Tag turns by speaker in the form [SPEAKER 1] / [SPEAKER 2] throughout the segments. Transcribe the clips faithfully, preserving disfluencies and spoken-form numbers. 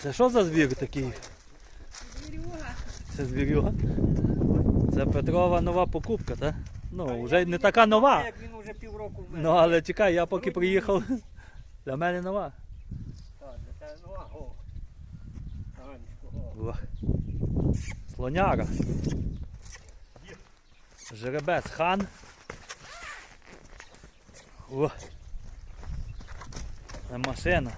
[SPEAKER 1] Це що за звір такий?
[SPEAKER 2] Звірюга.
[SPEAKER 1] Це звірюга? Це Петрова нова покупка, так? Ну, вже не така нова.
[SPEAKER 3] Як він вже півроку в мене.
[SPEAKER 1] Ну, але чекай, я поки приїхав, для мене нова.
[SPEAKER 3] Так, для тебе нова. О. Ганечко, о.
[SPEAKER 1] О. Слоняра. Жеребець хан. О. Це машина.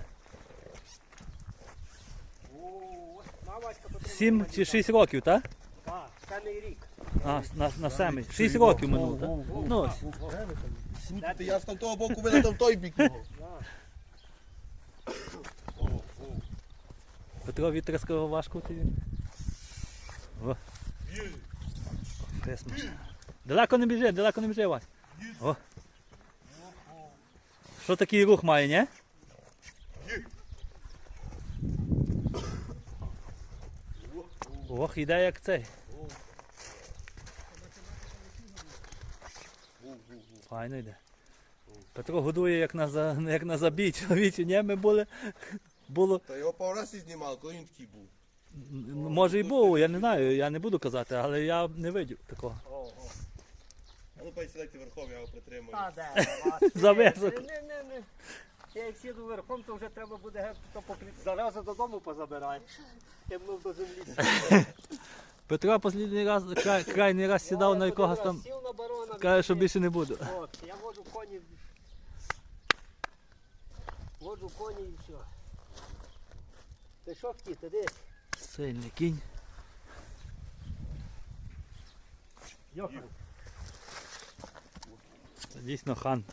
[SPEAKER 3] О, на, Васька, потрібно
[SPEAKER 1] Сім
[SPEAKER 3] мені
[SPEAKER 1] чи
[SPEAKER 3] так.
[SPEAKER 1] шість років, так?
[SPEAKER 3] Так, семий рік.
[SPEAKER 1] А, на, на семий. Шість років минуло, так? Ну, ось.
[SPEAKER 4] Слухайте, я з там того боку видав там той бік його.
[SPEAKER 1] Петро Вітряського важко тобі. О. Фес машина. Далеко не біжи, далеко не біжи, Вась. О. Що такий рух має, ні? Ох, іде як цей. Файно йде. Петро годує як на, за, як на забій чоловічі, ні? Ми були, було,
[SPEAKER 4] Та його пару разів знімали, коли він такий був.
[SPEAKER 1] м, може і був, я не знаю, я не буду казати, але я не видів такого.
[SPEAKER 3] О, о.
[SPEAKER 4] А ну пай сідайте верхом, я його притримую.
[SPEAKER 3] Та де, Васька?
[SPEAKER 1] За високо.
[SPEAKER 3] Не, не, не. Я як сіду верхом, то вже треба буде геть то покрити. Зараза додому позабирай. Я б до землі.
[SPEAKER 1] Петро останній раз, край, крайній раз сідав на якогось там,
[SPEAKER 3] Сів на барона.
[SPEAKER 1] каже, що більше не буду.
[SPEAKER 3] От, я воджу коні. Воджу коні і все. Ти що хотів, ти десь?
[SPEAKER 1] Сильний кінь.
[SPEAKER 3] Йохан.
[SPEAKER 1] Це дійсно хан.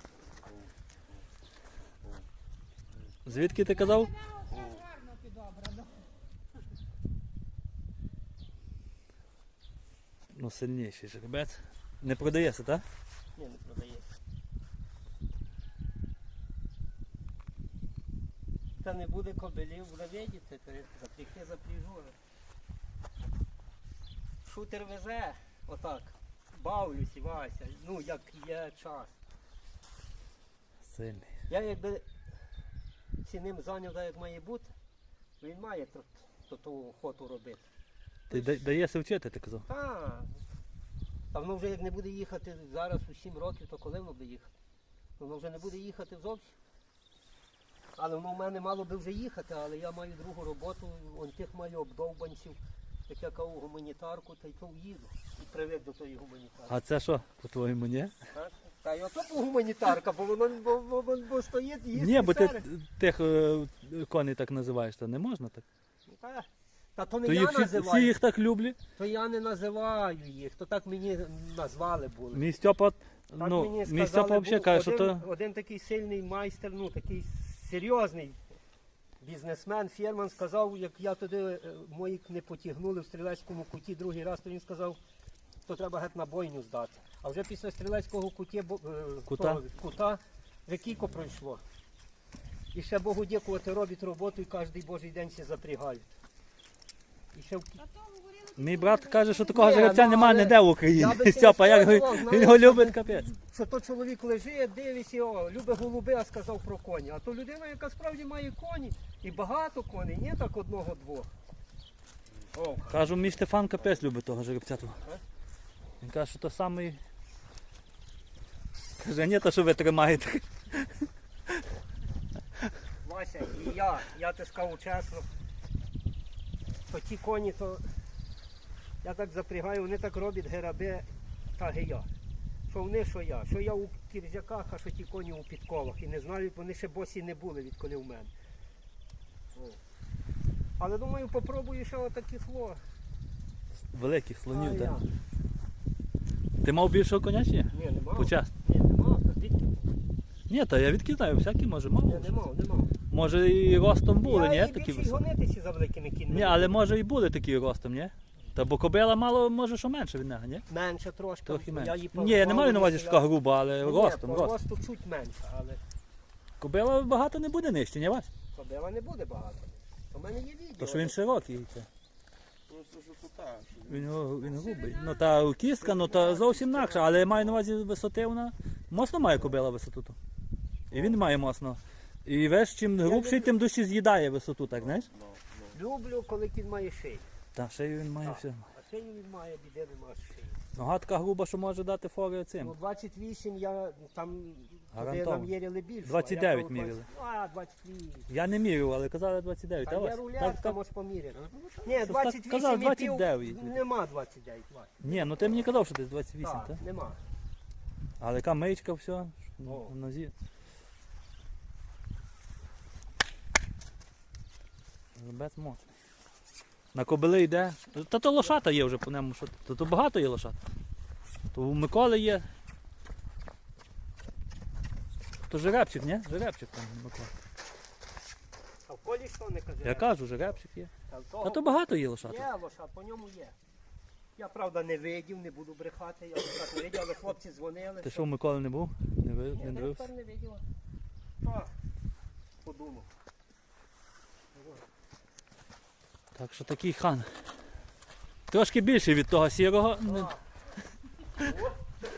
[SPEAKER 1] Звідки ти казав?
[SPEAKER 2] Гарно підобрано.
[SPEAKER 1] Ну, сильніший жеребець. Не продається, так?
[SPEAKER 3] Ні, не продає. Та не буде кобилів, буде видіти, то запрягти запряжу. Шутер везе, отак. Бавлюсь, Вася, ну як є час.
[SPEAKER 1] Сильний.
[SPEAKER 3] Я якби ці ним зайняв, так, як має бути, він має то, то, ту охоту робити.
[SPEAKER 1] Ти да- даєшся вчити, ти казав?
[SPEAKER 3] Та, та воно вже як не буде їхати зараз у сім років, то коли воно буде їхати? Воно вже не буде їхати зовсім. Але воно в мене мало би вже їхати, але я маю другу роботу, он тих маю обдовбанців, як я кажу гуманітарку, та й то їду. І привик до тої гуманітарки.
[SPEAKER 1] А це що, по-твоєму, ні?
[SPEAKER 3] Так? Та й ото гуманітарка, бо воно бо, бо, бо, бо стоїть їсти.
[SPEAKER 1] Ні, бо ти
[SPEAKER 3] серед.
[SPEAKER 1] тих е, коней так називаєш, то не можна так.
[SPEAKER 3] Та, та то не
[SPEAKER 1] То
[SPEAKER 3] я
[SPEAKER 1] їх всі,
[SPEAKER 3] називаю.
[SPEAKER 1] всі їх так люблять.
[SPEAKER 3] То я не називаю їх, то так мені назвали були.
[SPEAKER 1] Мій Стьопа,
[SPEAKER 3] Так
[SPEAKER 1] ну,
[SPEAKER 3] мені
[SPEAKER 1] мій
[SPEAKER 3] сказали,
[SPEAKER 1] Стьопа взагалі
[SPEAKER 3] був
[SPEAKER 1] каже, що
[SPEAKER 3] один,
[SPEAKER 1] то...
[SPEAKER 3] один такий сильний майстер, ну такий серйозний бізнесмен, фірман сказав, як я туди е, мої не потягнули в стрілецькому куті другий раз, то він сказав, то треба геть на бойню здати. А вже після стрілецького куті, бо- е,
[SPEAKER 1] Кута?
[SPEAKER 3] того, кута вже кілько пройшло. І ще Богу дякувати, робить роботу і кожен божий день ще запрягають. І ще в
[SPEAKER 2] Та то говорили,
[SPEAKER 1] Мій брат каже, що такого
[SPEAKER 3] Ні,
[SPEAKER 1] жеребця
[SPEAKER 3] ну,
[SPEAKER 1] немає
[SPEAKER 3] але
[SPEAKER 1] ніде в
[SPEAKER 3] я
[SPEAKER 1] Україні.
[SPEAKER 3] би
[SPEAKER 1] Стьопа, як
[SPEAKER 3] сказав,
[SPEAKER 1] він
[SPEAKER 3] знаєш,
[SPEAKER 1] його
[SPEAKER 3] що
[SPEAKER 1] любить
[SPEAKER 3] ти-
[SPEAKER 1] капець.
[SPEAKER 3] що то чоловік лежить, дивиться, о, любить голуби, а сказав про коні. А то людина, яка справді має коні, і багато коней, не так одного-двох. О,
[SPEAKER 1] Кажу, мій Штефан капець любить того жеребця. того.
[SPEAKER 3] А?
[SPEAKER 1] Він каже, що то самий... Каже, ні, то що ви тримаєте.
[SPEAKER 3] Вася, і я, я те скажу чесно, то ті коні, то я так запрягаю, вони так роблять гераби та гея. Що вони, що я. Що я у кірзяках, а що ті коні у підковах. І не знаю, вони ще босі не були, відколи в мене. О. Але думаю, попробую ще отакі слова.
[SPEAKER 1] Великих
[SPEAKER 3] А
[SPEAKER 1] слонів,
[SPEAKER 3] я?
[SPEAKER 1] так. Ти мав більшого коня чи ні?
[SPEAKER 3] Ні, не мав.
[SPEAKER 1] Почасно.
[SPEAKER 3] Ні, не мав, та звідки?
[SPEAKER 1] Ні, та я відки знаю, всякі може мав.
[SPEAKER 3] Ні, не мав, не мав.
[SPEAKER 1] Може і ростом були,
[SPEAKER 3] я
[SPEAKER 1] ні?
[SPEAKER 3] і
[SPEAKER 1] Такі
[SPEAKER 3] більше й
[SPEAKER 1] високі.
[SPEAKER 3] гонитися за великими кіньми.
[SPEAKER 1] Ні, але може і були такі ростом, ні? Та бо кобила мало, може, що менше від нього, ні?
[SPEAKER 3] Менше трошки.
[SPEAKER 1] Трохи
[SPEAKER 3] Я
[SPEAKER 1] менше.
[SPEAKER 3] її
[SPEAKER 1] Ні, я не маю на увазі, що
[SPEAKER 3] я-
[SPEAKER 1] така груба, але
[SPEAKER 3] Ні,
[SPEAKER 1] ростом,
[SPEAKER 3] по
[SPEAKER 1] ростом.
[SPEAKER 3] росту чуть менше, але
[SPEAKER 1] Кобила багато не буде нижче, ні Вась?
[SPEAKER 3] кобила не буде багато. У мене є відео.
[SPEAKER 1] То що він широкий. Це.
[SPEAKER 4] Просто що тут так.
[SPEAKER 1] Він, він грубий. Ну та кістка, ну та зовсім інакша, але я маю на увазі висоти вона. Моцно має кобила висоту. ту. І він має моцно. І весь чим грубший, тим дужче з'їдає висоту, так знаєш?
[SPEAKER 3] Люблю, коли кінь має шию.
[SPEAKER 1] Та шею він має
[SPEAKER 3] Так.
[SPEAKER 1] все.
[SPEAKER 3] А шию він має, біди нема з шиї.
[SPEAKER 1] Нога така груба, що може дати фори
[SPEAKER 3] Ну,
[SPEAKER 1] цим.
[SPEAKER 3] двадцять вісім я там, туди
[SPEAKER 1] Гарантовано.
[SPEAKER 3] нам міряли більше.
[SPEAKER 1] двадцять
[SPEAKER 3] а я
[SPEAKER 1] дев'ять
[SPEAKER 3] кажу,
[SPEAKER 1] міряли.
[SPEAKER 3] А, двадцять вісім.
[SPEAKER 1] Я не міряв, але казали двадцять дев'ять.
[SPEAKER 3] Та
[SPEAKER 1] Та
[SPEAKER 3] є
[SPEAKER 1] ось.
[SPEAKER 3] рулетка,
[SPEAKER 1] Так, так.
[SPEAKER 3] можеш поміряти. Ні,
[SPEAKER 1] так
[SPEAKER 3] двадцять
[SPEAKER 1] казав,
[SPEAKER 3] вісім і пів,
[SPEAKER 1] двадцять дев'ять.
[SPEAKER 3] нема двадцять дев'ять. Вась.
[SPEAKER 1] Ні, ну ти мені казав, що десь двадцять вісім,
[SPEAKER 3] Так,
[SPEAKER 1] так?
[SPEAKER 3] нема.
[SPEAKER 1] Але яка мичка, все,
[SPEAKER 3] О.
[SPEAKER 1] на нозі. Жеребець моцний. На кобили йде. Та то лошата є вже по ньому. Що... То, то багато є лошат. То у Миколи є. То жеребчик, ні? Жеребчик там Микола.
[SPEAKER 3] А в колі що не казав?
[SPEAKER 1] Я кажу, жеребчик є.
[SPEAKER 3] Та, в
[SPEAKER 1] Та
[SPEAKER 3] того
[SPEAKER 1] то багато є лошат.
[SPEAKER 3] Є лошад, по ньому є. Я, правда, не видів, не буду брехати, я лошад не видів, але хлопці дзвонили.
[SPEAKER 1] Ти що, у Миколи не був? Не, ви...
[SPEAKER 3] Ні,
[SPEAKER 1] не
[SPEAKER 3] я
[SPEAKER 1] дивився?
[SPEAKER 3] тепер не видів. Так, подумав.
[SPEAKER 1] Так що такий хан. Трошки більший від того сірого. Не-
[SPEAKER 3] Так.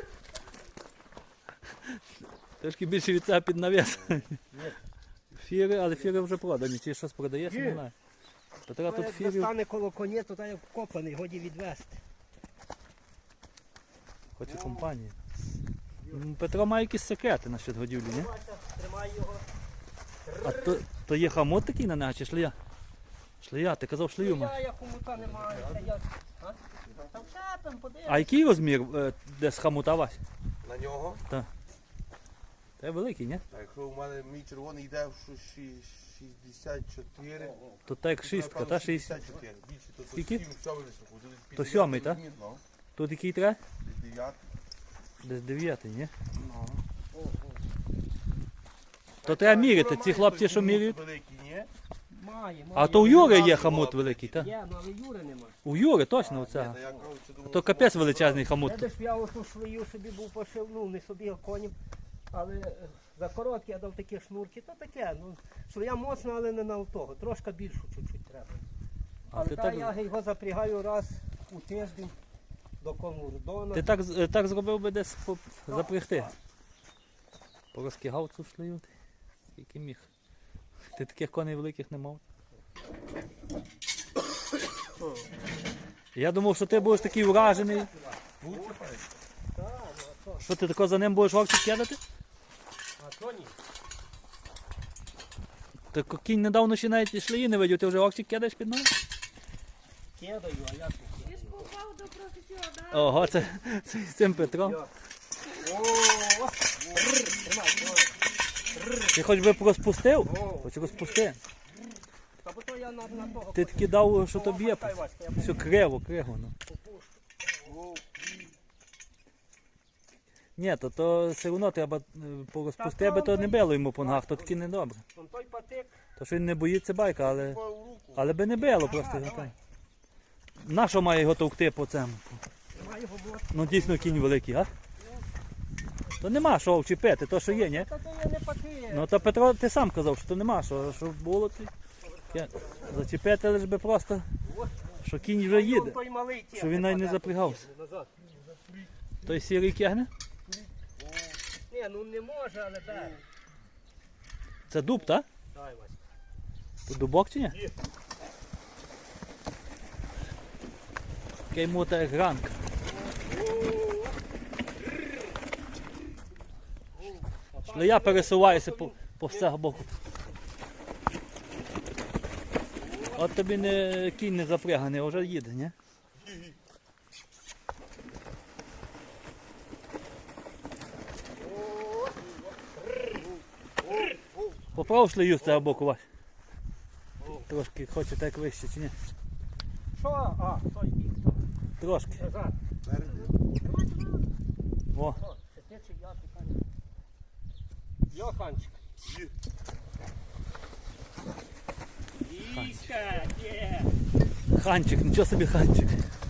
[SPEAKER 1] Трошки більше від цього під навіс. Фіри, але фіри вже продані. Чи щось продаєш,
[SPEAKER 3] Ні.
[SPEAKER 1] не знаю. То треба
[SPEAKER 3] Ну,
[SPEAKER 1] тут
[SPEAKER 3] як
[SPEAKER 1] фірів.
[SPEAKER 3] достане коло коні, то та як вкопаний, годі відвести.
[SPEAKER 1] Хоче компанії. М, Петро має якісь секрети насчет годівлі, ні?
[SPEAKER 3] Бачиш, тримай його.
[SPEAKER 1] А то, то є хамут такий на нього чи шлея? Шлея, ти казав шлею
[SPEAKER 3] Я,
[SPEAKER 1] має.
[SPEAKER 3] я хомута не маю. Це я... А? Там все, там подивись.
[SPEAKER 1] А який розмір е, десь хамута Вась?
[SPEAKER 4] На нього.
[SPEAKER 1] Це великий, ні?
[SPEAKER 4] А якщо у мене мій червоний йде в шу- ші- шістдесят чотири.
[SPEAKER 1] То так як шістка,
[SPEAKER 4] напевно,
[SPEAKER 1] та шістдесят.
[SPEAKER 4] шістдесят чотири. Більше, то- то
[SPEAKER 1] Скільки?
[SPEAKER 4] сім, сьомий високо. Тут
[SPEAKER 1] То
[SPEAKER 4] п'ятдесят
[SPEAKER 1] сьомий, та?
[SPEAKER 4] розмір, ну.
[SPEAKER 1] Тут який треба?
[SPEAKER 4] Десь дев'ятий.
[SPEAKER 1] Десь дев'ятий, ні?
[SPEAKER 4] Ну.
[SPEAKER 1] То треба міряти,
[SPEAKER 4] Юра
[SPEAKER 1] ці
[SPEAKER 4] має
[SPEAKER 1] хлопці,
[SPEAKER 4] той
[SPEAKER 1] що
[SPEAKER 4] хомут
[SPEAKER 1] міряють.
[SPEAKER 4] великий, ні?
[SPEAKER 3] Має, має.
[SPEAKER 1] А то у Юри є
[SPEAKER 4] Юра
[SPEAKER 1] хамут
[SPEAKER 4] була
[SPEAKER 1] великий, так?
[SPEAKER 3] Є, ну, але Юри нема.
[SPEAKER 1] У Юри точно
[SPEAKER 4] Ні,
[SPEAKER 1] оце.
[SPEAKER 4] та я, коротше, думав,
[SPEAKER 1] То
[SPEAKER 4] що
[SPEAKER 1] капець
[SPEAKER 4] може
[SPEAKER 1] величезний хамут.
[SPEAKER 3] Видиш, я оту швию собі був пошив, ну не собі, а конів. Але е, за короткі я дав такі шнурки, то таке. Ну, швия моцна, але не на того. Трошки більшу чуть-чуть треба.
[SPEAKER 1] А
[SPEAKER 3] Але
[SPEAKER 1] ти
[SPEAKER 3] та
[SPEAKER 1] так,
[SPEAKER 3] я його запрягаю раз у тиждень до конурдона.
[SPEAKER 1] ти так, з- е, так зробив би десь по- запрягти. Порозкигав цю шлею. ти. Скільки міг. Ти таких коней великих не мав. Я думав, що ти будеш такий вражений,
[SPEAKER 4] Лучше, пане.
[SPEAKER 3] Так, ну а то.
[SPEAKER 1] що ти тако за ним будеш вовчик кидати.
[SPEAKER 3] А то ні.
[SPEAKER 1] Ти ко- кінь недавно ще навіть шлеї не видів, ти вже вовчик кидаєш під ноги?
[SPEAKER 3] Кидаю, а я тут
[SPEAKER 2] Ти
[SPEAKER 3] кидаю.
[SPEAKER 2] ж попав до професіонала.
[SPEAKER 1] Ого, це, це з цим Петром.
[SPEAKER 3] Я. О, Рр, тримай, тримай.
[SPEAKER 1] Ти хоч би розпустив?
[SPEAKER 3] О.
[SPEAKER 1] Хоч розпусти.
[SPEAKER 3] Та бо то я на, на того.
[SPEAKER 1] Ти таки дав, що
[SPEAKER 3] О,
[SPEAKER 1] тобі є.
[SPEAKER 3] хай, Васька, я
[SPEAKER 1] Все криво, криво. Ну.
[SPEAKER 3] попущу.
[SPEAKER 1] Ні, то, то все одно треба е, порозпусти, аби то не било йому по ногах, то таки не добре.
[SPEAKER 3] Вон той патик.
[SPEAKER 1] То що він не боїться байка, але,
[SPEAKER 4] По руку.
[SPEAKER 1] але би не било просто.
[SPEAKER 3] Ага,
[SPEAKER 1] так.
[SPEAKER 3] давай.
[SPEAKER 1] На що має його товкти по цьому?
[SPEAKER 3] Тримай його бот.
[SPEAKER 1] Ну дійсно кінь великий, а? То нема що вчепити, то що є, ні?
[SPEAKER 3] Та то я не патик.
[SPEAKER 1] Ну то Петро, ти сам казав, що то нема, що, що було ти. Я- Зачепити лиш би просто, що кінь вже їде.
[SPEAKER 3] Той малий
[SPEAKER 1] Що він навіть не запрягався.
[SPEAKER 3] Назад.
[SPEAKER 1] Той сірий кегне?
[SPEAKER 3] Ні, ну не може, але дай.
[SPEAKER 1] Це дуб, так?
[SPEAKER 3] Дай, Васька.
[SPEAKER 1] То дубок чи ні? Такий мота як ранка. Шлея пересувається по, по всього боку. От тобі не кінь не запряганий, а вже їде, ні? Поправ шлею з цього боку, Вась. Трошки хоче так вище чи ні?
[SPEAKER 3] Що? А, той бік. то.
[SPEAKER 1] Трошки.
[SPEAKER 3] Назад.
[SPEAKER 1] О,
[SPEAKER 3] О, це ти чи я питаю. Йоханчик. Іська, є.
[SPEAKER 1] ханчик, нічого собі ханчик.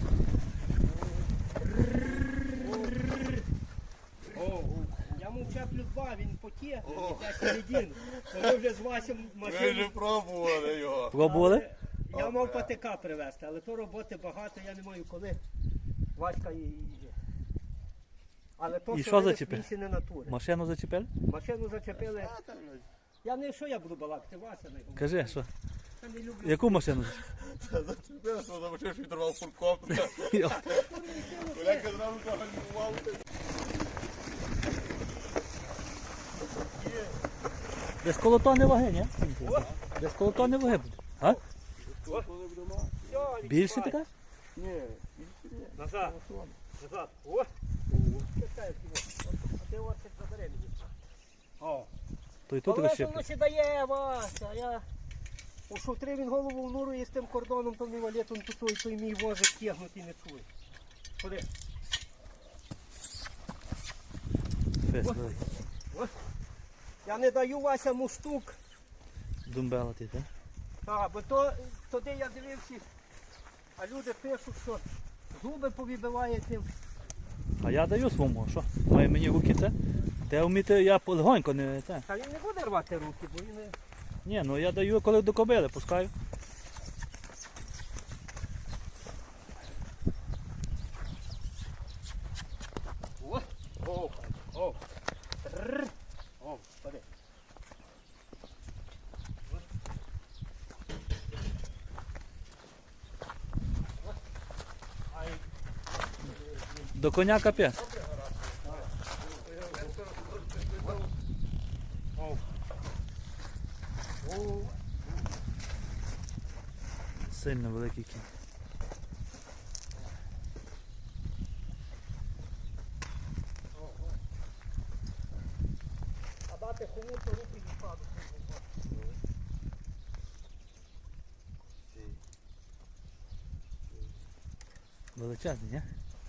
[SPEAKER 3] О, я мовчав плюс два, він потє, я середину. Ми вже з Васем
[SPEAKER 4] Ми вже
[SPEAKER 3] машину.
[SPEAKER 4] пробували його.
[SPEAKER 1] Пробували?
[SPEAKER 3] Я мав патика привезти, але то роботи багато, я не маю коли. Васька і... Але то,
[SPEAKER 1] І
[SPEAKER 3] що
[SPEAKER 1] що
[SPEAKER 3] видиш,
[SPEAKER 1] зачепив?
[SPEAKER 3] місці не натури.
[SPEAKER 1] Машину зачепили?
[SPEAKER 3] Машину зачепили. Я не що я буду балакати, Вася не говорить.
[SPEAKER 1] Кажи, що?
[SPEAKER 2] Та не люблю.
[SPEAKER 1] Яку машину?
[SPEAKER 4] Зачепив, що замочив, що відірвав фурком. Коляка зразу загалював.
[SPEAKER 1] Десь коло тони ваги, ні? Десь коло тони ваги буде. А?
[SPEAKER 3] Все,
[SPEAKER 1] Більше
[SPEAKER 3] відчувай.
[SPEAKER 1] така?
[SPEAKER 4] Ні,
[SPEAKER 3] Назад. Назад. О! Чекай, а ти ось забери мені. О.
[SPEAKER 1] То і тут
[SPEAKER 3] Але що
[SPEAKER 1] розщепить.
[SPEAKER 3] воно сідає, Вася, а я у шутри він голову внурує з тим кордоном, то мій валетом тут той, той мій возик тягнути не чує. Ходи.
[SPEAKER 1] Фест великий.
[SPEAKER 3] Я не даю Вася муштук.
[SPEAKER 1] Думбела ти, так?
[SPEAKER 3] А, бо то туди я дивився, а люди пишуть, що зуби повибиває тим.
[SPEAKER 1] А я даю своєму, що? Має мені руки це. Те вміти, я легонько не це.
[SPEAKER 3] Та він не буде рвати руки, бо він не...
[SPEAKER 1] Ні, ну я даю, коли до кобили пускаю.
[SPEAKER 3] О, о, о, Тррр. О, ходи. Ай,
[SPEAKER 1] До коня капець.
[SPEAKER 3] о. О,
[SPEAKER 1] Сильно великий кінь.
[SPEAKER 3] а дати кому то руки не падуть.
[SPEAKER 1] Величезний, ні?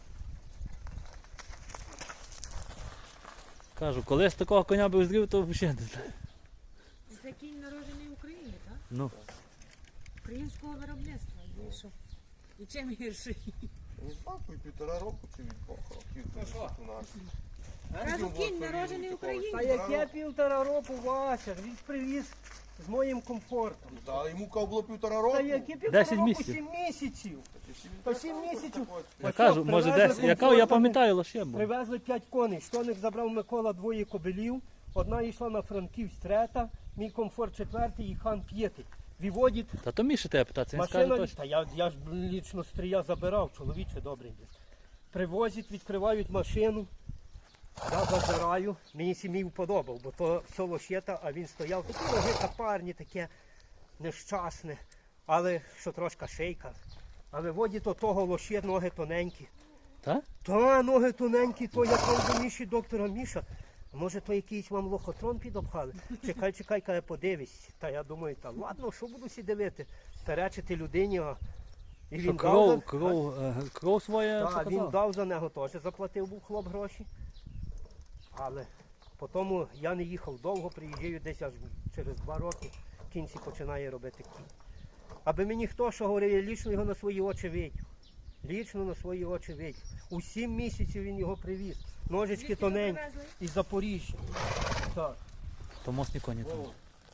[SPEAKER 1] Кажу, колись такого коня би зрів, то взагалі не знаю.
[SPEAKER 2] Це кінь народжений в Україні, так?
[SPEAKER 1] Ну,
[SPEAKER 2] Українського виробництва. І що? І чим гірший?
[SPEAKER 4] Не знаю, по півтора року чи від двох років.
[SPEAKER 3] Ну що?
[SPEAKER 4] у нас.
[SPEAKER 2] Кажу, кінь народжений в
[SPEAKER 3] Та
[SPEAKER 2] Україні.
[SPEAKER 3] яке півтора року, Вася, він привіз з моїм комфортом.
[SPEAKER 4] Та йому кав було півтора року.
[SPEAKER 3] Та які півтора
[SPEAKER 1] Десять
[SPEAKER 3] року,
[SPEAKER 1] місяців.
[SPEAKER 3] сім місяців.
[SPEAKER 4] Та
[SPEAKER 3] Та сім місяців.
[SPEAKER 1] я
[SPEAKER 3] Ось
[SPEAKER 1] кажу,
[SPEAKER 3] що,
[SPEAKER 1] може
[SPEAKER 3] привезли
[SPEAKER 1] десь. Я кажу, я
[SPEAKER 3] комфортно,
[SPEAKER 1] пам'ятаю лише. бо-
[SPEAKER 3] Привезли п'ять коней. Штоник забрав Микола двоє кобилів. Одна йшла на Франківськ трета, мій комфорт четвертий і хан п'ятий. Виводить
[SPEAKER 1] Та то Міша тебе питатися, він скаже
[SPEAKER 3] машина.
[SPEAKER 1] точно.
[SPEAKER 3] Та я, я ж лічно стрія забирав, чоловіче добренький. Привозять, відкривають машину. Я забираю, мені сім'ї вподобав, бо то все лощета, а він стояв. Такі ноги капарні, таке нещасне, але що трошка шейка. А виводять до того лоще, ноги тоненькі.
[SPEAKER 1] Та?
[SPEAKER 3] Та ноги тоненькі, то я кажу до Міші, доктора Міша, а може то якийсь вам лохотрон підопхали? Чекай, чекай, каже, подивись. Та я думаю, та ладно, що буду сі дивити? Перечити людині, а і
[SPEAKER 1] Що
[SPEAKER 3] він дав
[SPEAKER 1] кров,
[SPEAKER 3] за...
[SPEAKER 1] кров, е, кров своє
[SPEAKER 3] Та, він
[SPEAKER 1] показав.
[SPEAKER 3] дав за нього теж, заплатив був хлоп гроші. Але потім я не їхав довго, приїжджаю десь аж через два роки, в кінці починає робити кінь. Аби мені хто що говорив, я лічно його на свої очі видів. Лічно на свої очі видів. У сім місяців він його привіз. Ножички
[SPEAKER 2] Звідки
[SPEAKER 3] тоненькі
[SPEAKER 2] привезли?
[SPEAKER 3] із Запоріжжя. Так.
[SPEAKER 1] То мосні коні там.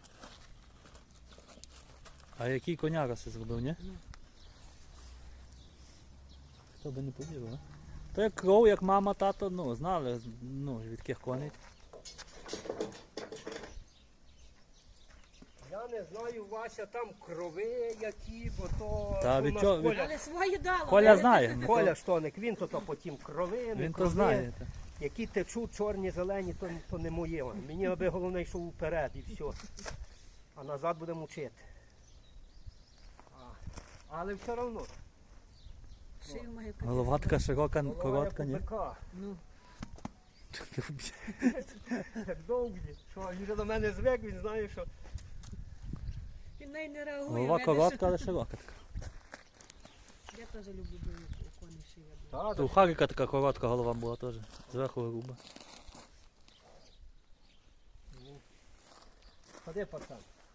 [SPEAKER 1] А який коняра си зробив, ні? Хто би не повірив, а? То як кров, як мама, тато, ну, знали, ну, від яких коней.
[SPEAKER 3] Я не знаю, Вася, там крови які, бо то
[SPEAKER 1] Та
[SPEAKER 3] у
[SPEAKER 1] від
[SPEAKER 3] нас
[SPEAKER 1] чого- від-
[SPEAKER 3] Коля,
[SPEAKER 2] Але свої дало.
[SPEAKER 1] Коля знає. ну,
[SPEAKER 3] Коля Штоник, він то, то потім крови, не
[SPEAKER 1] Він то
[SPEAKER 3] крови.
[SPEAKER 1] знає. та.
[SPEAKER 3] Які течуть чорні, зелені, то, то не моє. Мені аби головне йшов вперед і все. А назад будемо вчити. А, але все одно.
[SPEAKER 2] Шию має
[SPEAKER 1] Голова така широка, коротка, ні?
[SPEAKER 2] Ну,
[SPEAKER 3] Як довгі. Що, він вже до мене звик, він знає, що
[SPEAKER 2] він навіть не реагує.
[SPEAKER 1] Голова
[SPEAKER 2] видиш?
[SPEAKER 1] коротка, але широка така.
[SPEAKER 2] Я теж люблю бо у коней шия.
[SPEAKER 3] та,
[SPEAKER 1] То у Харіка така коротка голова була теж. Зверху груба.
[SPEAKER 3] ходи, пацан.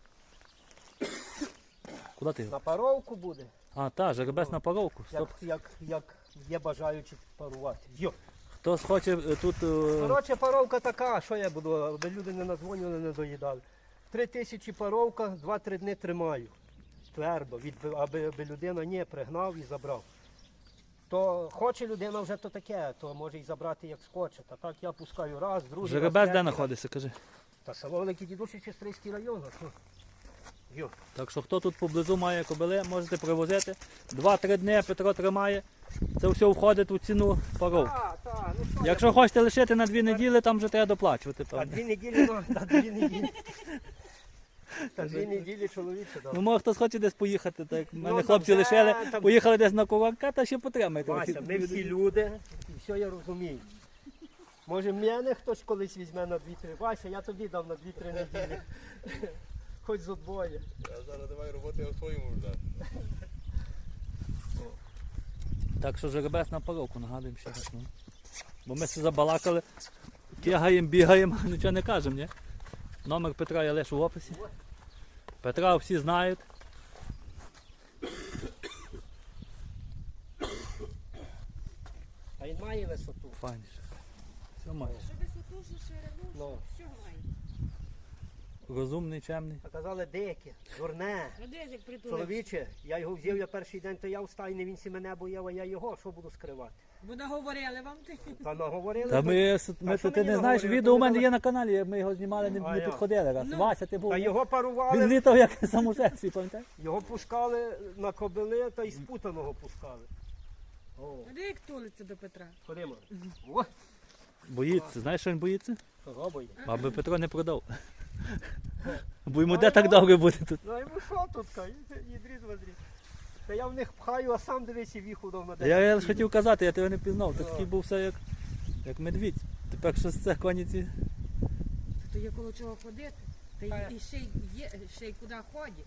[SPEAKER 1] Куди ти?
[SPEAKER 3] На паровку буде,
[SPEAKER 1] А, та, жеребець на паровку.
[SPEAKER 3] як,
[SPEAKER 1] Стоп.
[SPEAKER 3] як, як є бажаючі парувати. Йо.
[SPEAKER 1] Хтось хоче е, тут. е,
[SPEAKER 3] Коротше, паровка така, що я буду, аби люди не надзвонювали, не доїдали. Три тисячі паровка, два-три дні тримаю. Твердо, від, аби, аби людина не пригнав і забрав. То хоче людина вже то таке, то може і забрати як схоче. Та так я пускаю раз, другий.
[SPEAKER 1] Жеребець
[SPEAKER 3] раз,
[SPEAKER 1] де
[SPEAKER 3] третій.
[SPEAKER 1] знаходиться, кажи.
[SPEAKER 3] Та село Великий Дідуші, Сестрийський район. А що? Йо.
[SPEAKER 1] Так що хто тут поблизу має кобили, можете привозити. Два-три дні Петро тримає. Це все входить у ціну паров.
[SPEAKER 3] Так, так, ну що,
[SPEAKER 1] Якщо хочете лишити на дві неділі, там вже треба доплачувати.
[SPEAKER 3] та
[SPEAKER 1] певно.
[SPEAKER 3] дві неділі, ну, та дві неділі. Та дві неділі чоловіче дав.
[SPEAKER 1] Ну, може хтось хоче десь поїхати, так як мене
[SPEAKER 3] Ну,
[SPEAKER 1] хлопці
[SPEAKER 3] там
[SPEAKER 1] лишили,
[SPEAKER 3] вже, там-
[SPEAKER 1] поїхали десь на куварка, та ще потримайте.
[SPEAKER 3] Вася, ми всі люди, і все я розумію. Може, мене хтось колись візьме на дві-три. Вася, я тобі дав на дві-три неділі. Хоч з одвоє.
[SPEAKER 4] Я зараз давай роботи я в своєму вже.
[SPEAKER 1] Так що жеребець на паровку, нагадуємо ще раз. Ну. Бо ми все забалакали, кигаємо, бігаємо, нічого не кажемо, ні? Номер Петра я лишу в описі. Петра всі знають.
[SPEAKER 3] А він має висоту.
[SPEAKER 1] Файніше. Все має.
[SPEAKER 2] Щоб висоту, що ширину,
[SPEAKER 3] Ну.
[SPEAKER 2] все має.
[SPEAKER 1] Розумний, чемний.
[SPEAKER 3] А казали, дике, дурне.
[SPEAKER 2] А де ж як притулився?
[SPEAKER 3] Чоловіче, я його взяв, я перший день, то я в стайні, він сі мене бояв, а я його, що буду скривати?
[SPEAKER 2] Бо наговорили вам ти.
[SPEAKER 3] Та наговорили.
[SPEAKER 1] Та
[SPEAKER 3] то-
[SPEAKER 1] ми, ми
[SPEAKER 3] що
[SPEAKER 1] ти
[SPEAKER 3] мені
[SPEAKER 1] не знаєш,
[SPEAKER 3] наговорили?
[SPEAKER 1] відео у
[SPEAKER 3] То
[SPEAKER 1] мене
[SPEAKER 3] ви
[SPEAKER 1] є на каналі, як ми його знімали, не,
[SPEAKER 3] А
[SPEAKER 1] не
[SPEAKER 3] як?
[SPEAKER 1] підходили раз.
[SPEAKER 2] Ну.
[SPEAKER 1] Вася, ти був.
[SPEAKER 3] Та його
[SPEAKER 1] Він
[SPEAKER 3] парували,
[SPEAKER 1] літав як самошедший, пам'ятаєш?
[SPEAKER 3] його пускали на кобили, та й спутаного пускали. О,
[SPEAKER 2] А де як тулиться до Петра?
[SPEAKER 3] ходимо. О,
[SPEAKER 1] Боїться. Знаєш, що він боїться?
[SPEAKER 3] кого бої?
[SPEAKER 1] Аби Петро не продав. Бо йому де так добре буде тут.
[SPEAKER 3] Ну йому що тут, їдріз воздріз. Та я в них пхаю, а сам дивись і віху дав на
[SPEAKER 1] Я, я
[SPEAKER 3] день.
[SPEAKER 1] лише хотів казати, я тебе не пізнав. Ти
[SPEAKER 3] Ну.
[SPEAKER 1] такий був все як, як медвідь. Тепер що це коніці?
[SPEAKER 2] То є коло чого ходити. Та
[SPEAKER 3] Та-
[SPEAKER 2] й і ще й є, ще й куди ходять.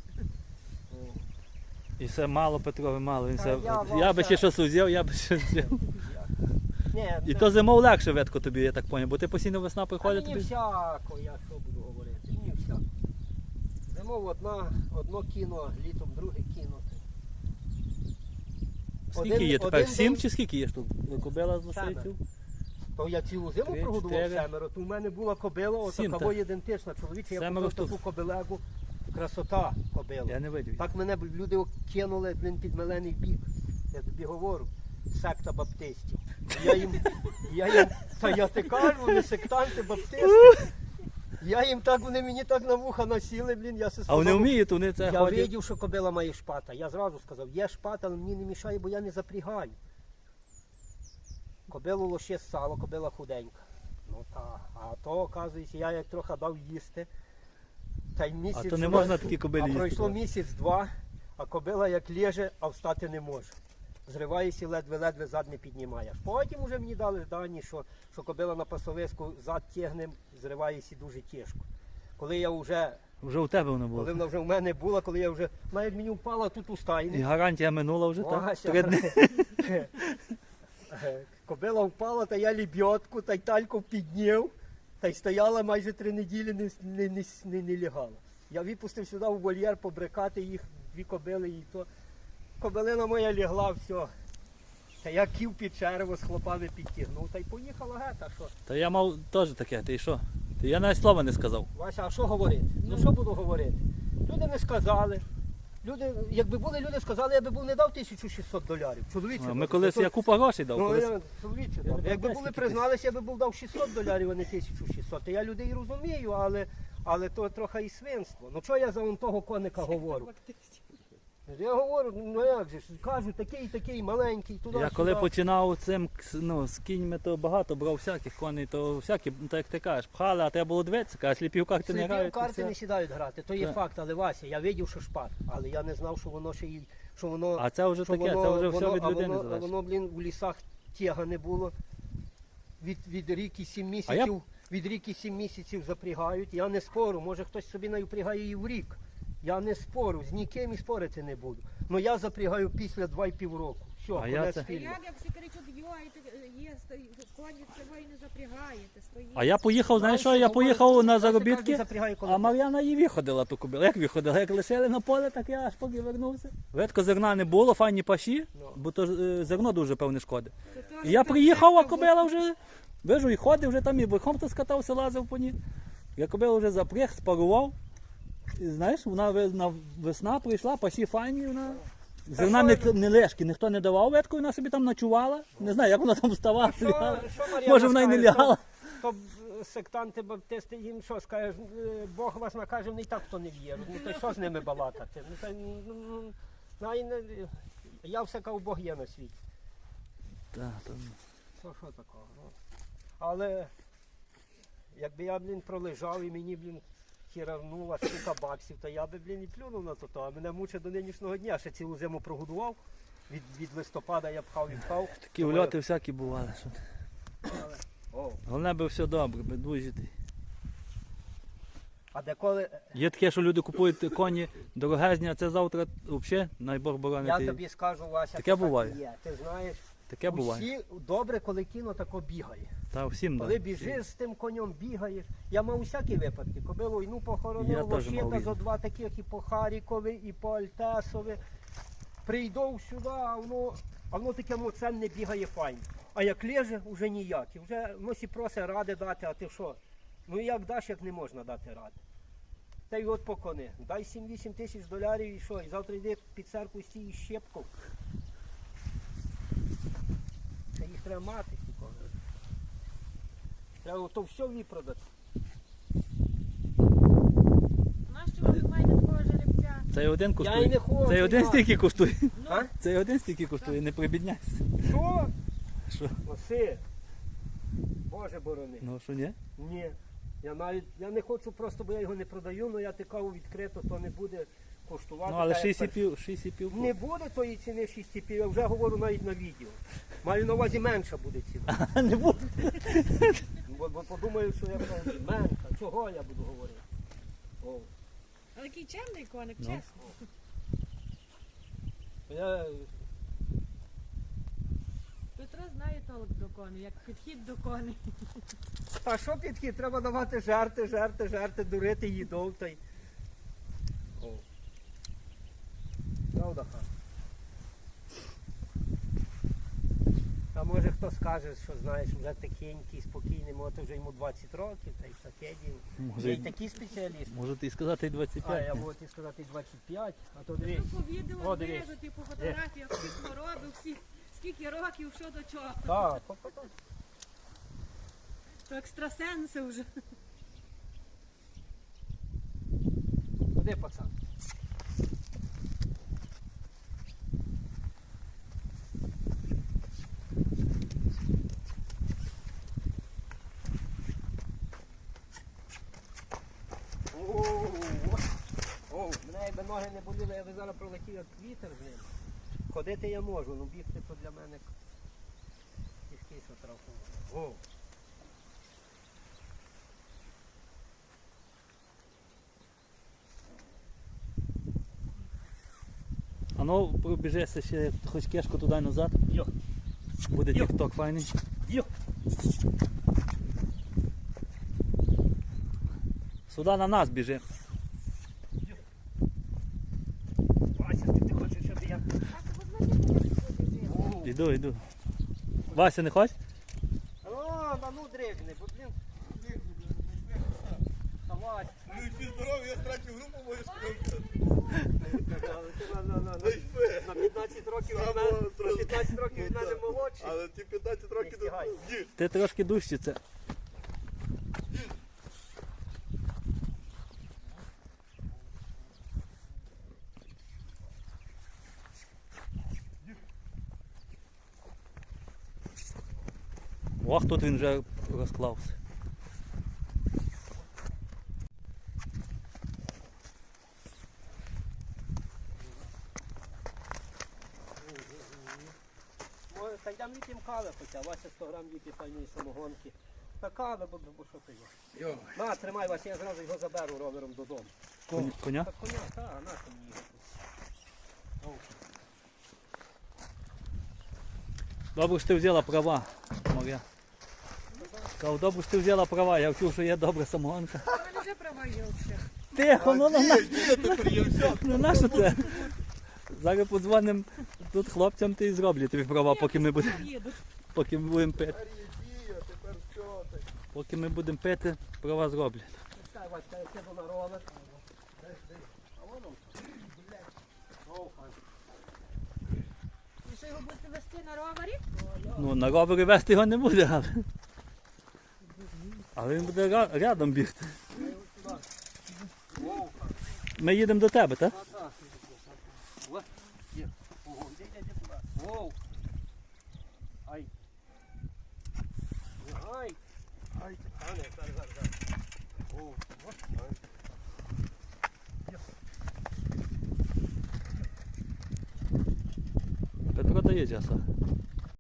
[SPEAKER 1] І все мало Петрові, мало. Він
[SPEAKER 3] Та
[SPEAKER 1] все...
[SPEAKER 3] я
[SPEAKER 1] Я,
[SPEAKER 3] вам
[SPEAKER 1] би
[SPEAKER 3] це-
[SPEAKER 1] ще щось узяв, я би ще взяв.
[SPEAKER 3] Ні,
[SPEAKER 1] І
[SPEAKER 3] це-
[SPEAKER 1] то зимов легше ветко тобі, я так поняв, бо ти постійно весна
[SPEAKER 3] Та
[SPEAKER 1] приходить
[SPEAKER 3] мені
[SPEAKER 1] тобі.
[SPEAKER 3] всяко, я що буду говорити, мені всяко. Зимов одна, одно кіно, літом друге кіно.
[SPEAKER 1] Скільки
[SPEAKER 3] один-
[SPEAKER 1] є тепер?
[SPEAKER 3] один
[SPEAKER 1] Сім
[SPEAKER 3] день-
[SPEAKER 1] чи скільки є штук? Кобила з
[SPEAKER 3] Семеро.
[SPEAKER 1] лошейців?
[SPEAKER 3] То я цілу зиму
[SPEAKER 1] Три,
[SPEAKER 3] прогодував
[SPEAKER 1] чотири.
[SPEAKER 3] семеро, то в мене була кобила,
[SPEAKER 1] Сім,
[SPEAKER 3] отакого
[SPEAKER 1] так.
[SPEAKER 3] ідентична. Чоловіче, я
[SPEAKER 1] Семеро
[SPEAKER 3] купив
[SPEAKER 1] штук.
[SPEAKER 3] таку кобилегу, красота кобила.
[SPEAKER 1] Я не видів.
[SPEAKER 3] Так мене б люди кинули, блін, під мелений бік. Я тобі говорю, секта баптистів. Я їм, я їм, та я ти кажу, вони сектанти, баптисти. Я їм так, вони мені так на вуха насіли, блін, я се
[SPEAKER 1] А вони
[SPEAKER 3] сказав,
[SPEAKER 1] вміють, вони це
[SPEAKER 3] я
[SPEAKER 1] ходять.
[SPEAKER 3] видів, що кобила має шпата. Я зразу сказав, є шпата, але мені не мішає, бо я не запрягаю. Кобилу лоще сало, кобила худенька. Ну так, а то, оказується, я як трохи дав їсти. Та й місяць.
[SPEAKER 1] А то не можна такі
[SPEAKER 3] А
[SPEAKER 1] кобилі їсти.
[SPEAKER 3] пройшло місяць-два, а кобила як лєже, а встати не може. Зриваєшся, ледве-ледве зад не піднімаєш. Потім вже мені дали дані, що, що кобила на пасовиску зад тягне, зриваєшся дуже тяжко. Коли я вже,
[SPEAKER 1] Вже у тебе воно
[SPEAKER 3] коли
[SPEAKER 1] було.
[SPEAKER 3] вона вже в мене була, коли я вже, навіть мені впала тут у
[SPEAKER 1] І
[SPEAKER 3] стайні.
[SPEAKER 1] гарантія минула вже, так?
[SPEAKER 3] Вася.
[SPEAKER 1] Три дні.
[SPEAKER 3] Кобила впала, та я лебедку, та й тальку підняв, та й стояла майже три неділі, не, не, не, не, не лягала. Я випустив сюди у вольєр побрикати їх, дві кобили, і то кобилина моя лягла, все. Та я ків під черево з хлопами підтягнув, та й поїхала гета, що.
[SPEAKER 1] Та я мав теж таке, ти що? Ти я навіть слова не сказав.
[SPEAKER 3] Вася, а що говорити? Ну що буду говорити? Люди не сказали. Люди, якби були люди сказали, я би був не дав тисячу шістсот доларів. Чоловіче.
[SPEAKER 1] А, Ми
[SPEAKER 3] дав.
[SPEAKER 1] колись,
[SPEAKER 3] То-
[SPEAKER 1] я купа грошей дав.
[SPEAKER 3] Ну,
[SPEAKER 1] колись.
[SPEAKER 3] я, чоловіче,
[SPEAKER 1] Я
[SPEAKER 3] дав.
[SPEAKER 1] не
[SPEAKER 3] Якби
[SPEAKER 1] пам'ятаю,
[SPEAKER 3] були
[SPEAKER 1] скільки
[SPEAKER 3] призналися, я би був дав шістсот доларів, а не тисячу шістсот. Та я людей розумію, але, але то трохи і свинство. Ну що я за он того коника говорю? Я говорю, ну як же ж, кажу, такий, такий маленький, туди.
[SPEAKER 1] Я коли починав цим кс- ну, з кіньми, то багато брав всяких коней, то всякі, ну, так як ти кажеш, пхали, а треба було дивитися, а сліпі в карти не
[SPEAKER 3] Сліпі
[SPEAKER 1] грають.
[SPEAKER 3] в
[SPEAKER 1] і
[SPEAKER 3] карти
[SPEAKER 1] все.
[SPEAKER 3] не сідають грати, то є
[SPEAKER 1] Так.
[SPEAKER 3] факт, але Вася, я видів, що шпат, але я не знав, що воно ще й, що воно,
[SPEAKER 1] А це вже
[SPEAKER 3] що
[SPEAKER 1] таке,
[SPEAKER 3] воно,
[SPEAKER 1] це вже все
[SPEAKER 3] воно-
[SPEAKER 1] від
[SPEAKER 3] а
[SPEAKER 1] людини
[SPEAKER 3] воно, а
[SPEAKER 1] залежить.
[SPEAKER 3] воно, блін, у лісах тяга не було. Від, від рік і сім місяців, від рік і сім місяців запрягають. Я не спорю, може хтось собі навпрягає і в рік. Я не спорю, з ніким і спорити не буду. Ну я запрягаю після два і півроку. Все,
[SPEAKER 1] А я
[SPEAKER 3] конець
[SPEAKER 1] це-
[SPEAKER 2] Та
[SPEAKER 3] фільму.
[SPEAKER 2] як, як всі кричуть, йой, є, коні це ви не запрягаєте, стоїть.
[SPEAKER 1] А я поїхав, знаєш що,
[SPEAKER 3] Знаєш,
[SPEAKER 1] я
[SPEAKER 3] що
[SPEAKER 1] поїхав
[SPEAKER 3] говорить,
[SPEAKER 1] на
[SPEAKER 3] що кожен
[SPEAKER 1] заробітки,
[SPEAKER 3] запрягає, коли
[SPEAKER 1] а Мар'яна і виходила ту кобилу. Як виходила? Як лишили на поле, так я аж поки вернувся. Ветко зерна не було, файні паші,
[SPEAKER 3] Ну.
[SPEAKER 1] бо то е, зерно дуже певне шкоди.
[SPEAKER 2] Це теж
[SPEAKER 1] І я
[SPEAKER 2] так
[SPEAKER 1] приїхав, а
[SPEAKER 2] всяко
[SPEAKER 1] кобила вже, вижу, і ходив вже там, і верхом то скатався, лазив по ній. Я кобилу вже запряг, спарував. І знаєш, вона ви- на весна прийшла, пасі файні, вона. Зерна не,
[SPEAKER 3] що-
[SPEAKER 1] не лешки, ніхто не давав ветку, вона собі там ночувала. Не знаю, як вона там вставала.
[SPEAKER 3] Що-
[SPEAKER 1] лягала.
[SPEAKER 3] що Мар'яна
[SPEAKER 1] Може вона й не
[SPEAKER 3] скаже?
[SPEAKER 1] лягала.
[SPEAKER 3] То, сектанти, баптисти, їм що скажеш, е, Бог вас накаже, вони і так хто не в'є. Ну то що з ними балакати? Ну, та, ну, ну, най не- я все кажу, Бог є на світі.
[SPEAKER 1] Так, то...
[SPEAKER 3] То що такого? Ну. Але якби я, блін, пролежав і мені, блін, хіравнула штука баксів, то я би, блін, і плюнув на то, а мене мучить до нинішнього дня. Ще цілу зиму прогодував. Від, від листопада я пхав і пхав.
[SPEAKER 1] Такі вльоти всякі бували. Що... ти.
[SPEAKER 3] О,
[SPEAKER 1] Головне би все добре, би вижити.
[SPEAKER 3] а деколи,
[SPEAKER 1] Є таке, що люди купують коні дорогезні, а це завтра взагалі, най Бог
[SPEAKER 3] я
[SPEAKER 1] боронити.
[SPEAKER 3] тобі скажу, Вася,
[SPEAKER 1] Таке
[SPEAKER 3] це так
[SPEAKER 1] буває.
[SPEAKER 3] і є. Ти знаєш,
[SPEAKER 1] Таке буває.
[SPEAKER 3] усі добре, коли кіно тако бігає.
[SPEAKER 1] Та всім
[SPEAKER 3] Коли
[SPEAKER 1] да.
[SPEAKER 3] біжиш з тим конем, бігаєш. Я мав усякі випадки. Коли війну
[SPEAKER 1] Я
[SPEAKER 3] похоронив,
[SPEAKER 1] теж мав
[SPEAKER 3] лощита
[SPEAKER 1] різні.
[SPEAKER 3] зо два таких і по Харікові, і по Альтесові. Прийду сюди, а воно, а воно таке моценне бігає файно. А як леже, вже ніяк. І вже ну, сі просить ради дати, а ти що? Ну як даш, як не можна дати ради. Та й от по кони. Дай сім-вісім тисяч доларів і що? І завтра йди під церкву стій із щепком. Це їх треба мати, ті кони. Треба то все випродати.
[SPEAKER 2] Нащо ви маєте такого жеребця?
[SPEAKER 1] Цей один
[SPEAKER 3] Я й
[SPEAKER 1] коштує.
[SPEAKER 3] не хочу.
[SPEAKER 1] Цей один
[SPEAKER 3] мати.
[SPEAKER 1] стільки коштує.
[SPEAKER 3] А?
[SPEAKER 1] Цей один стільки коштує, не прибідняйся.
[SPEAKER 3] Що?
[SPEAKER 1] Що?
[SPEAKER 3] Василь, Боже борони.
[SPEAKER 1] Ну що ні?
[SPEAKER 3] Ні. Я навіть я не хочу просто, бо я його не продаю, але я тикав відкрито, то не буде коштувати.
[SPEAKER 1] Ну але
[SPEAKER 3] так, як
[SPEAKER 1] шість і
[SPEAKER 3] перше.
[SPEAKER 1] пів, шість і пів.
[SPEAKER 3] Не буде тої ціни шість і пів, я вже говорю навіть на відео. Маю на увазі менша буде ціна.
[SPEAKER 1] Не буде.
[SPEAKER 3] Бо, бо подумаю, що я кажу, менша. Чого я буду говорити? О.
[SPEAKER 2] Але який чемний коник,
[SPEAKER 1] Ну.
[SPEAKER 2] чесно.
[SPEAKER 3] Я,
[SPEAKER 2] Петро знає толк до коней, як підхід до коней.
[SPEAKER 3] а що підхід? Треба давати жарти, жарти, жарти, дурити їдов та й. О. Правда, ха? А може хто скаже, що знаєш, вже такенький, спокійний, може вже йому двадцять років, та й таке діло.
[SPEAKER 1] Може,
[SPEAKER 3] Є
[SPEAKER 1] й-
[SPEAKER 3] й такі спеціалісти.
[SPEAKER 1] Можете і сказати і двадцять
[SPEAKER 3] А я
[SPEAKER 1] п'ять.
[SPEAKER 3] можу ті сказати двадцять п'ять, а то дивись.
[SPEAKER 2] Ну, по відео
[SPEAKER 3] О, дивись.
[SPEAKER 2] вижу, ти по фотографіях, всі хвороби, всі, скільки років, що до чого.
[SPEAKER 3] Так, то- то- то.
[SPEAKER 2] То екстрасенси вже.
[SPEAKER 3] Куди, пацан? О, о, мене якби ноги не боліли, я би зараз пролетів як вітер з ним. Ходити я можу, ну бігти то для мене кишки що трохи. О.
[SPEAKER 1] А ну пробіжися ще хоч кешку туди назад.
[SPEAKER 3] Йо.
[SPEAKER 1] Буде
[SPEAKER 3] Йо.
[SPEAKER 1] тік-ток файний.
[SPEAKER 3] Йо.
[SPEAKER 1] Сюди на нас біжи.
[SPEAKER 3] Вася, ти хочеш, щоб я... О.
[SPEAKER 1] Іду, іду. Вася, не хочеш?
[SPEAKER 3] О, а ну дригни, бо блін. Давай.
[SPEAKER 4] Ну і всі здорові, я страчу групу мою скажу.
[SPEAKER 3] На, на, на, на, на п'ятнадцять років від мене, на п'ятнадцять років від мене молодший.
[SPEAKER 4] Але ті п'ятнадцять років
[SPEAKER 3] Не встигай.
[SPEAKER 4] до... Ні.
[SPEAKER 1] Ти трошки дужче це. Ох, тут він вже розклався.
[SPEAKER 3] Може, та йдемо вип'ємо кави хоча, Вася сто грам вип'є файної самогонки. Та кави, бо, бо що ти є.
[SPEAKER 4] Йо.
[SPEAKER 3] На, тримай, Вася, я зразу його заберу ровером додому.
[SPEAKER 1] Коня? Коня?
[SPEAKER 3] Та коня, та, на що мені його тут. О.
[SPEAKER 1] Добре, що ти взяла права, Мар'я. Кажу, добре, що ти взяла права, я вчув, що є добра самогонка.
[SPEAKER 2] У мене вже права є взагалі.
[SPEAKER 1] Тихо, ну на,
[SPEAKER 4] Ні, ні, тепер є все.
[SPEAKER 1] ну на що це? Зараз подзвонимо тут хлопцям, ти і зроблять тобі права, поки ми будемо
[SPEAKER 2] Їду.
[SPEAKER 1] поки ми будемо пити.
[SPEAKER 4] Тепер є дія, тепер все. так.
[SPEAKER 1] Поки ми будемо пити, права зроблять.
[SPEAKER 3] Чекай, Вася, я сіду на ровер. А воно, блядь. О, пан.
[SPEAKER 2] І що його будете вести на ровері?
[SPEAKER 1] Ну, на ровері вести його не буде, але. Але він буде ра- рядом бігти.
[SPEAKER 3] Вовка.
[SPEAKER 1] Ми їдемо до тебе, так?
[SPEAKER 3] Та-та. Во, є. Ого, йди, йди, йди туди. Вовк. Ай. Ай. Ай, а не, зараз, зараз, зараз. Вовк. Во, ай.
[SPEAKER 1] Петро дає часу.